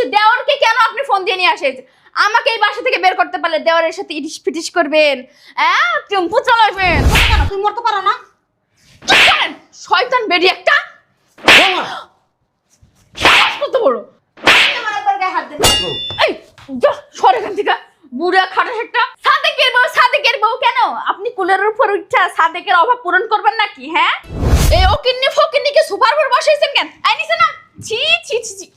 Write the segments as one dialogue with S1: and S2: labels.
S1: দেওরকে কেন আপনি ফোন দিয়ে নিয়ে আসেন? আমাকে এই বাসা থেকে বের করতে পারলে দেওরের সাথে ইটিস পিটিস করবেন, হ্যাঁ টেম্পু চালাবেন।
S2: কেন তুমি মরতে পারো না?
S1: চুপ করেন, শয়তান বেডি একটা। সাহস কত বড়!
S2: আমার একবার গায়ে হাত দেন।
S1: এই যা সরে এখান থেকে, বুড়া খাটাস একটা। সাদেকের বউ কেন? আপনি কুলের উপর উঠা সাদেকের অভাব পূরণ করবেন নাকি? হ্যাঁ, এই ওকিন্নি ফকিন্নিকে সুপার উপর বসাইছেন কেন? আই নিছে না, ছি ছি ছি ছি।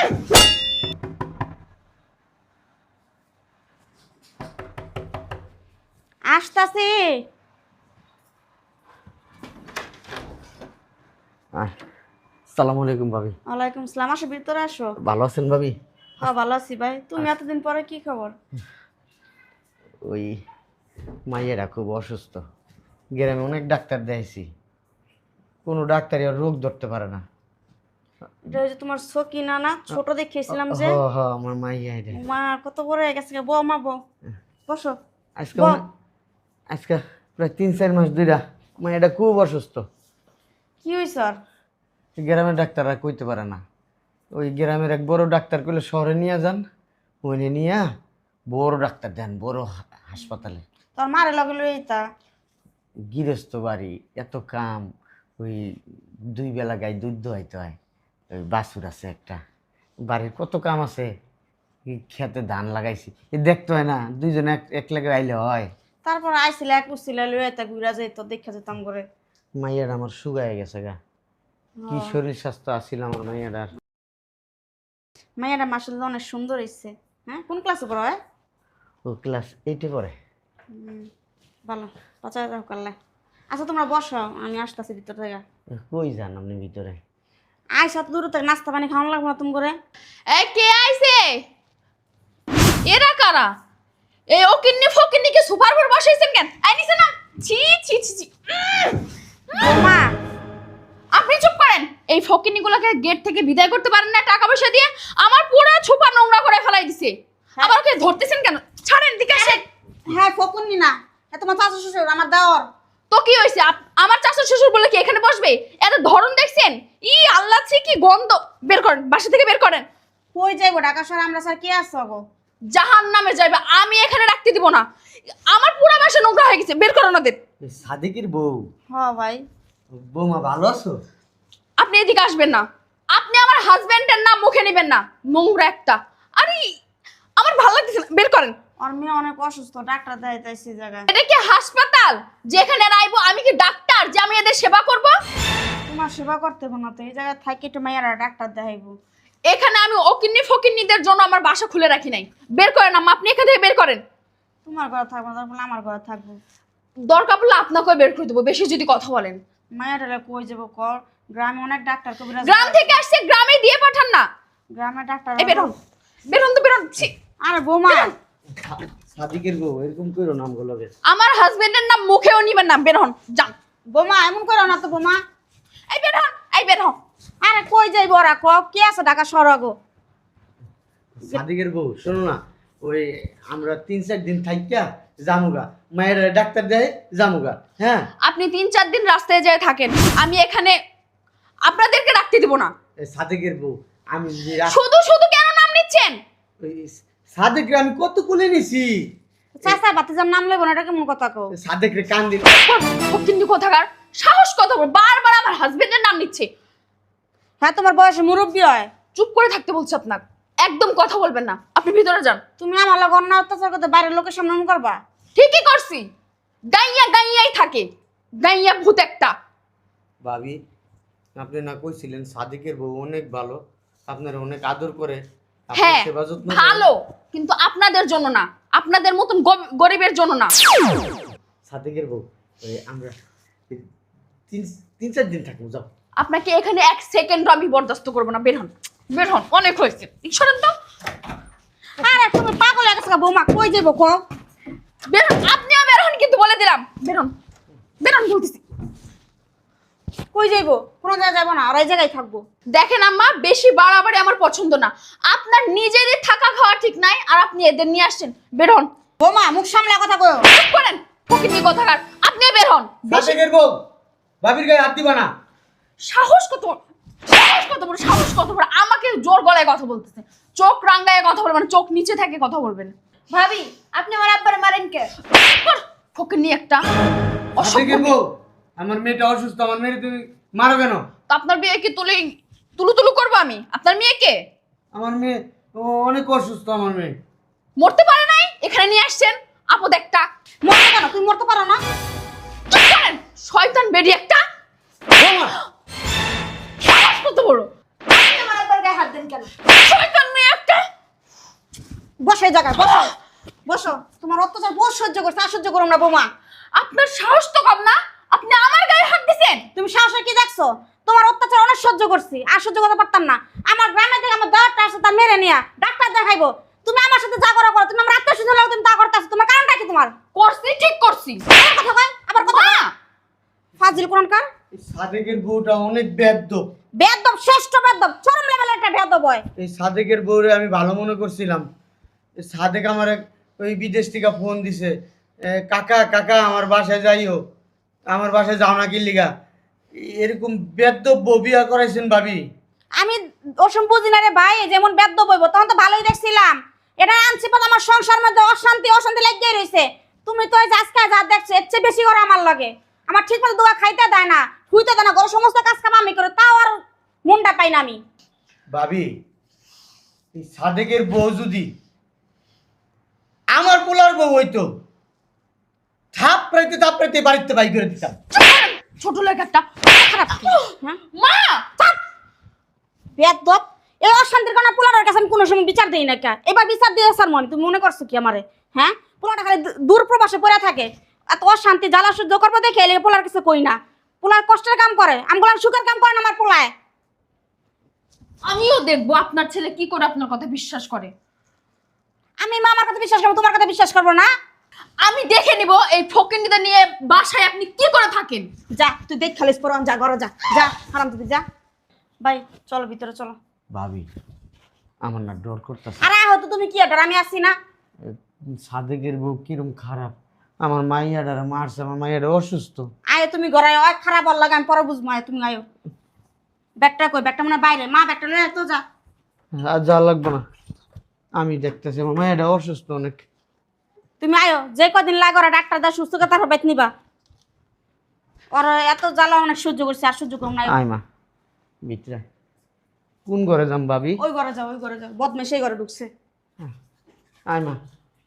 S2: আসতাছে।
S3: আসসালামু আলাইকুম ভাবি।
S2: ওয়ালাইকুম আসসালাম। আসো, ভিতরে আসো।
S3: ভালো আছেন ভাবি?
S2: হ্যাঁ ভালো আছি ভাই। তুমি এতদিন পরে কি খবর?
S3: ওই মাইয়েরা খুব অসুস্থ, গ্রামে অনেক ডাক্তার দেখাইছি, কোনো ডাক্তারই আর রোগ ধরতে পারে না।
S2: এটা হচ্ছে তোমার সকিনা না? ছোট দেখিয়েছিলাম যে।
S3: আমার মাইয়া রে।
S2: মা কত বড় হয়ে গেছে। বউ মা বউ বসো।
S3: আজকে প্রায় 3-4 মাস ধইরা মাইয়াটা খুব অসুস্থ।
S2: কি হয়েছে আর?
S3: গ্রামের ডাক্তাররা কইতে পারে না। ওই গ্রামের এক বড় ডাক্তার কইলে শহরে নিয়ে যান, ওইনে নিয়ে বড় ডাক্তার দেন বড় হাসপাতালে।
S2: তোর মারে লগে লইতা।
S3: গৃহস্থ বাড়ি, এত কাম, ওই 2 বেলা গায়ে দুধ দোয়াইতে হয়, ওই বাছুর আছে একটা, বাড়ির কত কাম আছে, খেতে ধান লাগাইছি, দেখতে হয় না, দুইজনে এক লাগে আইলে হয়।
S2: তারপর আইছিলে এক উছিলে লইতা ঘুরা যাইত, দেখা যেতাম করে।
S3: মাইয়াটা আমার শুকায় গেছে গা, কি শরীর স্বাস্থ্য আছিল আমার মাইয়াটার।
S2: মাইয়াটা মাসাল্লাহ অনেক সুন্দর হইছে। হ্যাঁ, কোন ক্লাসে পড়ো? হয়
S3: ও ক্লাস 8-এ পড়ে।
S2: ভালো, বাঁচা রাখো কাল্লা। আচ্ছা তোমরা বসো, আমি আসতেছি ভিতর থেকে।
S3: কই যান আপনি ভিতরে?
S2: আইসা তো দূর থেকে নাস্তা পানি খাওয়ানো লাগবে না তুমি করে?
S1: এই কে আইছে? এরা কারা? এই ওকিন্নি ফকিন্নিকে সুপার উপর বসাইছেন কেন? আই নিছে না, ছি ছি ছি ছি।
S2: মা
S1: আপনি চুপ করেন। এই ফকিন্নিগুলোকে গেট থেকে বিদায় করতে পারেন না টাকা পয়সা দিয়ে? আমার পুরো ছোপা নোংরা করে ফেলাই দিছে। আবার ওকে ধরতেছেন কেন? ছাড়েন, দিকে আসেন।
S2: হ্যাঁ ফকুননি না, হ্যাঁ তোমার চাচা শ্বশুর আমার দেওর।
S1: তো কি হয়েছে? আমার চাচা শ্বশুর বলে কি এখানে বসবে? এত ধরন দেখছেন? ই আল্লাহ, ছি কি গন্ধ! বের করেন, বাসা থেকে বের করেন।
S2: কই যাইবো? ঢাকা শহরে আমরা স্যার কে আসছো গো?
S1: জাহান্নামে যাইবে, আমি এখানে রাখতে দিব না। আমার পুরো বাসা নোংরা হয়ে গেছে, বের করেন ওদের।
S3: সাদিকের বউ।
S2: হ্যাঁ ভাই।
S3: বৌমা ভালো আছো?
S1: আপনি এদিকে আসবেন না। আপনি আমার হাজবেন্ডের নাম মুখে নেবেন না, নোংরা একটা। আরে আমার ভালো লাগতেছে না, বের করেন।
S2: আর মেয়ে অনেক অসুস্থ, ডাক্তার দেখাইতেছি জায়গায়।
S1: এটা কি হাসপাতাল যেখানে রাইবো? আমি কি ডাক্তার যে আমি এদের সেবা করব?
S2: তোমার সেবা করতে হবে না তো, এই জায়গায় থাকি একটু মাইয়ারা ডাক্তার দেখাইবো।
S1: এখানে আমি ওকিন্নি ফকিন্নিদের জন্য আমার বাসা খুলে রাখি নাই। বের করেন আম্মা, আপনি এখান থেকে বের করেন।
S2: তোমার ঘরে থাকবো না, তারপর আমার ঘরে থাকবো।
S1: দরকার পড়লে আপনাকেও বের করে দেবো, বেশি যদি কথা বলেন।
S2: মাইয়াটা কই যাবো কর? গ্রামে অনেক ডাক্তার কবিরাজ।
S1: গ্রাম থেকে আসছে, গ্রামে দিয়ে পাঠান না।
S2: গ্রামে ডাক্তার।
S1: এই বেরোন, বেরোন তো বেরোন। ছি।
S2: আরে বৌমা,
S3: সাদিকের বউ এরকম কইরো নাম গুলোকে।
S1: আমার হাজবেন্ডের নাম মুখেও নিবেন না, বেরোন যান।
S2: বৌমা এমন করো না তো বৌমা।
S1: এই বেরোন, এই বেরোন।
S2: আরে কই যাইবো ওরা? ক কে আছে ঢাকা শহরে গো?
S3: সাদিকের বউ শোনো না, ওই আমরা 3-4 দিন থাইকা জামুগা, মায়ের ডাক্তার দেয় জামুগা। হ্যাঁ,
S1: আপনি 3-4 দিন রাস্তায় যায় থাকেন, আমি এখানে আপনাদেরকে রাখতে দিব না।
S3: সাদিকের বউ আমি
S1: শুধু শুধু কেন নাম নিচ্ছেন?
S3: সাদেকরে আমি কত কোলে নিছি।
S2: চাচা বাতিজার নাম লইব না, এটা কেমন কথা কও?
S3: সাদেকরে কান দিল।
S1: কিন্তু কোথাকার সাহস কত বড়, বারবার আমার হাজবেন্ডের নাম নিচ্ছে।
S2: হ্যাঁ তোমার বয়সে মুরব্বী হয়।
S1: চুপ করে থাকতে বলছি আপনাকে, একদম কথা বলবেন না। আপনি ভিতরে যান।
S2: তুমি আমার লগে অন্য অত্যাচার করতে বাইরের লোকের সামনে এমন করবা?
S1: ঠিকই করছি, গাইয়া গাইয়াই থাকে, গাইয়া ভূত একটা।
S3: ভাবি আপনি না কইছিলেন সাদিকের বউ অনেক ভালো, আপনার অনেক আদর করে,
S1: হ্যাঁ
S3: সেবা যত্ন
S1: ভালো, কিন্তু আপনাদের জন্য না, আপনাদের মতন গরিবের জন্য না।
S3: সাদিকের বউ ওই আমরা 3-4 দিন থাকবো, যাও।
S1: আপনাকে এখানে 1 সেকেন্ড আমি বরদাস্ত করবো না, বের হন, বের হন, অনেক হয়েছে। ঈশ্বরেন তো।
S2: আরে তুমি পাগল হয়ে গেছো বৌমা, কই যাইবো কও?
S1: বের হন, আপনিও বের হন, কিন্তু বলে দিলাম বের হন, বের হন বলতেছি।
S2: কই যাইবো? কোনো জায়গায় যাবো না, আর এই জায়গায় থাকবো।
S1: দেখেন আম্মা, বেশি বাড়াবাড়ি আমার পছন্দ না। আপনার নিজেরই থাকা খাওয়া ঠিক নাই, আর আপনি এদের নিয়ে আসছেন। বের হন।
S2: বৌমা মুখ সামলে কথা কও।
S1: চুপ করেন, ফকিন্নি কোথাকার। আপনিও বের হন।
S3: সাদিকের বউ ভাবির গায়ে হাত দিবা না।
S1: সাহস কত, সাহস সাহস কত বড় আমাকে জোর গলায় কথা বলতেছে, চোখ রাঙ্গায় কথা বলবেন, চোখ নিচে থেকে কথা বলবেন।
S4: ভাবি আপনি আমার আব্বারে মারেন কে?
S1: ফকিন্নি একটা অসভ্য
S3: সাদেকের
S1: মেয়ে।
S3: বউ, আমার মেয়েটা অসুস্থ, আমার মেয়ে তুমি মারো কেন?
S1: তো আপনার মেয়েকে তুলু করবো আমি? আপনার মেয়েকে
S3: আমার মেয়ে ও অনেক অসুস্থ, আমার মেয়ে।
S1: মরতে পারে নাই, এখানে নিয়ে আসছেন আপদ একটা।
S2: মরতে কেন? তুমি মরতে পারো না?
S1: চুপ করেন, শয়তান বেডি একটা।
S3: বৌমা,
S1: সাহস কত বড়,
S4: আপনি আমার আব্বার গায়ে হাত দেন কেন?
S1: শয়তান মেয়ে একটা।
S2: বসো এই জায়গায়, বসো বসো। তোমার অত্যাচার বহু সহ্য করছে, আর সহ্য করো না বৌমা।
S1: আপনার সাহস তো কম না, আপনি আমার গায়ে হাত দিছেন।
S2: তুমি সাহসে কি দেখছো? তোমার অত্যাচার অনেক সহ্য করছি, আর সহ্য করতে পারতাম না। আমার গ্রামে থেকে আমার দেওয়ারটা আসছে, তা মেরে নিয়া ডাক্তার দেখাইবো। তুমি আমার সাথে যা করো করো, তুমি আমার আত্মীয় স্বজন হলেও তুমি তা করতেছো। তোমার কারণটা কি? তোমার
S1: করছি, ঠিক করছি।
S2: আবার কথা কয়, আবার কথা কয়।
S1: মা,
S2: ফাজিল কোরআনকার।
S3: এই সাদেকের বউটা অনেক বেয়াদব।
S2: বেয়াদব, শ্রেষ্ঠ বেয়াদব, চরম লেভেলের একটা বেয়াদব হয়।
S3: এই সাদেকের বউরে আমি ভালো মনে করছিলাম। এই সাদেক আমার ওই বিদেশ থেকে ফোন দিছে, কাকা কাকা আমার বাসায় যাইও, আমার বাসায় যাও না কি লিগা। এরকম বেয়াদব বউ বিয়া করাইছেন ভাবি?
S2: আমি ওসম বুঝি না রে ভাই, যেমন বেয়াদব হইব তখন তো ভালোই দেখছিলাম। এটা আনছি পর আমার সংসার মধ্যে অশান্তি অশান্তি লাগিয়ে রইছে। তুমি তো এই যে আজকে যা দেখছো এর চেয়ে বেশি করে আমার লাগে। আমার ঠিক মতো দোয়া খাইতে দেয় না, শুইতে দেয় না, ঘরের সমস্ত কাজ কাম আমি করে, তাও আর মনটা পাই না আমি।
S3: ভাবি, এই সাদেকের বউ যদি আমার পোলার বউ হইতো, থাপড়াইতে বাড়িতে বাই করে দিতাম।
S1: ছোট লোক একটা
S2: খারাপ হ্যাঁ
S1: মা।
S2: বেয়াদব। এই অশান্তির কারণে পোলারের কাছে আমি কোনো সময় বিচার দেই না। কে এবার বিচার দিয়ে স্যার মনে তুমি মনে করছো কি আমারে? হ্যাঁ, পোলাটা খালি দূর প্রবাসে পড়ে থাকে, এত অশান্তি জ্বালা সহ্য করবো দেখে এলে পোলার কিছু কই না। পোলার কষ্টের কাম করে, আমগুলার সুখের কাম করে না আমার পোলায়।
S1: আমিও দেখবো আপনার ছেলে কি করে আপনার কথা বিশ্বাস করে।
S2: আমি মা আমার কথা বিশ্বাস করবো, তোমার কথা বিশ্বাস করবো না?
S1: আমি দেখে নিব এই ফকিন্নিটা নিয়ে বাসায় আপনি কি করে থাকেন।
S2: যা তুই দেখ খালিস পর, যা ঘরে যা, যা হারাম তুই যা। ভাই চলো ভিতরে চলো।
S3: ভাবি, আমার না ডর করতেছে।
S2: আরে হয়তো তুমি কি ডর, আমি আসছি না।
S3: সাদেকের বউ কিরম খারাপ, আমার মাইয়াডারে মারছে, আমার মাইয়াডা অসুস্থ।
S2: আয় তুমি ঘরে আয়, খারাপ বল লাগে আমি পরে বুঝবো। আয় তুমি আয়ো। ব্যাগটা কই? ব্যাগটা মনে হয় বাইরে। মা ব্যাগটা লয়ে তো যা।
S3: আর যা লাগবে না, আমি দেখতেছি আমার মাইয়াডা অসুস্থ অনেক।
S2: তুমি আয়ো, যে কদিন লাগে ওরা ডাক্তার দা সুস্থ করে তারপর বেত নিবা। ওরা এত জ্বালা অনেক সহ্য করছে, আর সহ্য করুন না।
S3: আয় মা ভিতরে। কোন ঘরে যাম ভাবি?
S2: ওই ঘরে যাও, ওই ঘরে যাও, বদমে সেই ঘরে ঢুকছে।
S3: আয় মা।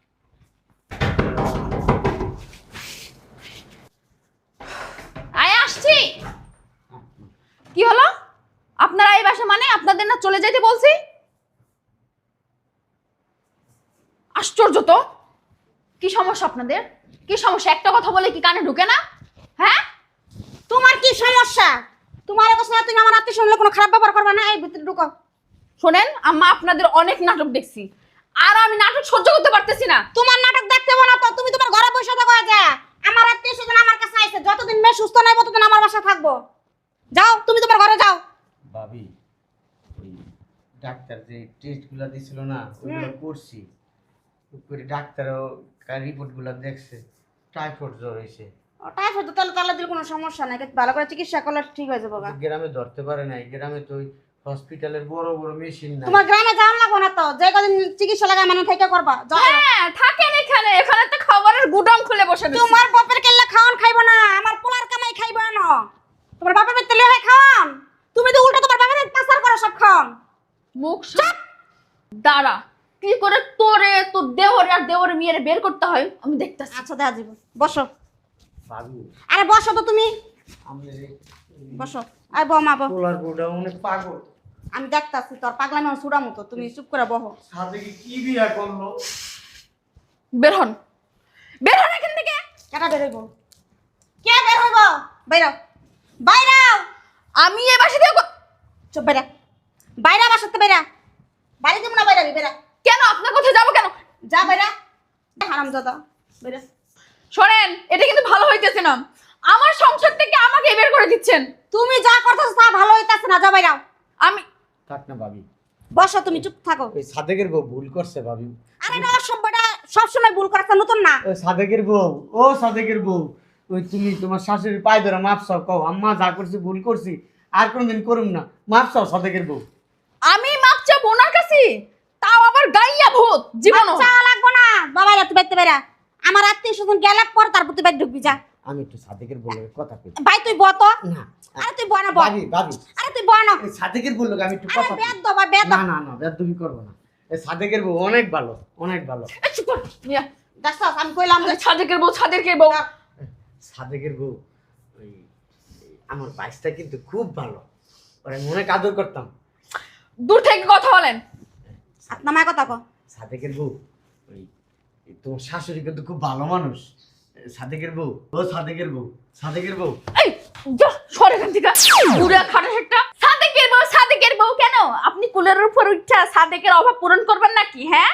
S1: আয় আসছি। কি হলো? আপনারা এই বাসা মানে আপনাদের না চলে যেতে বলছি? আশ্চর্য তো, কি সমস্যা আপনাদের? কি সমস্যা? একটা কথা বলে কি কানে ঢুকে না? হ্যাঁ,
S2: তোমার কি সমস্যা? তোমার অবস্থা তুমি আমার আত্মীয় শুনলে কোনো খারাপ ব্যবহার করবে না। এই ভিতরে ঢুকো।
S1: শোনেন আম্মা, আপনাদের অনেক নাটক দেখছি, আর আমি নাটক সহ্য করতে পারতেছি না।
S2: তোমার নাটক দেখতে হবে না তো, তুমি তোমার ঘরে বসে থাকো। যা, আমার আত্মীয় স্বজন আমার কাছে আইছে, যতদিন মেয়ে সুস্থ নাই ততদিন আমার বাসায় থাকবো। যাও তুমি তোমার ঘরে যাও।
S3: ভাবি, ওই ডাক্তার যে টেস্টগুলো দিছিল না, ওইগুলো করছি। করে ডাক্তারও রিপোর্টগুলো দেখছে, টাইফয়েড জ্বর হয়েছে।
S2: টাইফয়েড তাহলে তাহলে দিলে কোনো সমস্যা নাই, ভালো করে চিকিৎসা করলে ঠিক হয়ে যাবে।
S3: গ্রামে ধরতে পারে নাই, গ্রামে তো ওই হসপিটালের বড় বড় মেশিন নাই।
S2: তোমার গ্রামে যাওয়া লাগবে না তো, যে কদিন চিকিৎসা লাগা মানে থেকে করবা। যাও।
S1: হ্যাঁ থাকেন এখানে, এখানে তো খাবারের গুদাম খুলে বসে রয়েছে।
S2: তোমার বাপের কেল্লা খাওয়ান খাইবো না, আমার পোলার কামাই খাইবো না। তোমার বাপের পেতে লয়ে খাওয়ান, তুমি তো উল্টো তোমার বাপের পাচার করো সব খাওয়ান।
S1: মুখ দাঁড়া, কি করে তোরে তোর দেওরে আর দেওরে মেয়েরে বের করতে হয় আমি দেখতেছি।
S2: আচ্ছা দেখা যাবে, বসো।
S3: ভাবি,
S2: আরে বসো তো তুমি,
S3: আমাদের এই
S2: বসো। আয় বউ, মা বউ।
S3: পোলার বউটা অনেক পাগল।
S2: আমি দেখতাছি তোর পাগলামি আমার সুরা মতো, তুমি চুপ করে বহো।
S3: সাদেকে কি বিয়া করলো?
S1: বের হন, বের হন এখান থেকে।
S2: কেটা বের হইব? কে বের হইব? বাইরাও, বাইরাও।
S1: আমি এই বাসা থেকে
S2: চুপ, বাইরা, বাইরা, বাসাতে বাইরা। বাড়ি দিব না, বাইরাবি, বাইরা।
S1: কেন? আপনার কোথায় যাবো কেন?
S2: যা বাইরা, হারামজাদা, বাইরা।
S1: শোনেন, এটা কিন্তু ভালো হইতেছে না। আমার সংসার থেকে আমাকে বের করে দিচ্ছেন।
S2: তুমি যা করতেছো তা ভালো হইতাছে না, যা বাইরাও।
S1: আমি
S3: থাক না ভাবি,
S2: বসো, তুমি চুপ থাকো।
S3: ওই সাদেকের বউ ভুল করছে ভাবি।
S2: আরে না, অসভ্যটা সবসময় ভুল করছে, নতুন না।
S3: ওই সাদেকের বউ, ও সাদেকের বউ, ওই তুমি তোমার শাশুড়ির পায়ে ধরে মাপ চাও, কও আম্মা যা করছি ভুল করছি, আর কোনোদিন করুম না। মাপ চাও সাদেকের বউ।
S1: আমি মাপ চাবো ওনার কাছে, তাও আবার গাইয়া ভূত জীবন।
S2: চাওয়া লাগবো না বাবা, তুই বাইতে বেরা। আমার আত্মীয় স্বজন গেলার পর তারপর তুই বাইরে ঢুকবি যা।
S3: আমি একটু সাদেকের বউয়ের কথা কই।
S2: ভাই তুই বত
S3: না
S2: আরে তুই বনা বল।
S3: ভাবি ভাবি,
S2: আরে তুই বনা।
S3: এই সাদেকের বউ আমি একটু
S2: আরে
S3: কথা কই।
S2: বেদ দবা বেদ।
S3: না না না, বেদবি করবো না। এই সাদেকের বউ অনেক ভালো, অনেক ভালো।
S1: এই চুপ কর মিয়া।
S2: দেখছস আমি কইলাম যে
S1: সাদেকের বউ, সাদেকের বউ।
S3: সাদেকের বউ ওই আমার বাইসটা কিন্তু খুব ভালো, ওরা আমি অনেক আদর করতাম।
S1: দূর থেকে কথা বলেন।
S2: আপনার মায়ের কথা কো।
S3: সাদেকের বউ ওই তোমার শাশুড়ি কিন্তু খুব ভালো মানুষ। সাদেকের বউ, ও সাদেকের বউ, সাদেকের বউ।
S1: এই যা সর এখান থেকে, বুড়া খাটাস একটা। সাদেকের বউ, সাদেকের বউ কেন? আপনি কুলের উপর উঠা সাদেকের অভাব পূরণ করবেন নাকি? হ্যাঁ,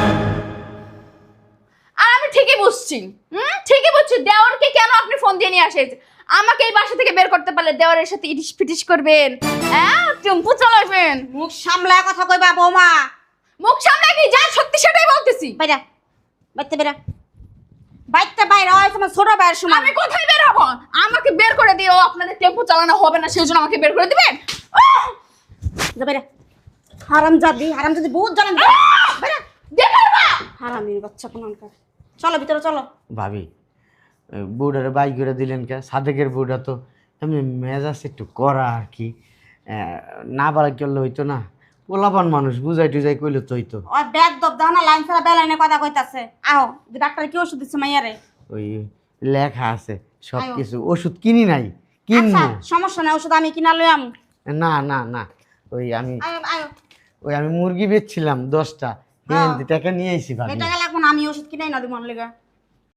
S1: আর আমি ঠিকই বুঝছি, ঠিকই বুঝছি। দেওয়ারকে কেন আপনি ফোন দিয়ে নিয়ে আসেন? আমাকে এই বাসা থেকে বের করতে পারলে দেওয়ারের সাথে ইটিস পিটিস করবেন, হ্যাঁ, টেম্পু চালাবেন।
S2: মুখ সামলায় কথা কইবা বৌমা।
S1: মুখ সামনে কি যা সত্যি সেটাই বলতেছি।
S2: বাইরা বাইতে বেরা। বাইতে বাইরে হয় তোমার ছোট ভাইয়ের সমান।
S1: আমি কোথায় বের হবো? আমাকে বের করে দিও, আপনাদের টেম্পু চালানো হবে না সেই জন্য আমাকে বের করে দিবেন।
S2: যা বাইরা। হারাম যদি বহুত জানেন। বাইরা
S1: দেখার মা।
S2: হারামির বাচ্চা কোনকার। চলো ভিতরে চলো।
S3: ভাবি বউডারে বাই করে দিলেন কে? সাদেকের বউটা তো এমনি মেজাজ একটু করা আর কি, না বাড়াই করলে হইতো না। পোলাপান মানুষ বুঝাই টুজাই কইলে তো হইতো।
S2: ওই ব্যাগ দব দাও না, লাইন ছাড়া বেলাইনে কথা কইতাছে। আও ডাক্তার কি ওষুধ দিচ্ছে মাইয়ারে?
S3: ওই লেখা আছে সব
S2: আয়ো।
S3: কিছু, ওষুধ কিনি নাই,
S2: আচ্ছা
S3: কিনবো।
S2: সমস্যা নাই, ওষুধ আমি কিনা লই আম।
S3: না না না, ওই আমি
S2: আয়ো আয়ো।
S3: মুরগি বেচছিলাম 10টা,
S2: হ্যাঁ।
S3: টাকা নিয়ে আইছি ভাবি।
S2: এই টাকা লাগবো না, আমি ওষুধ কিনাই না দিব লেগা।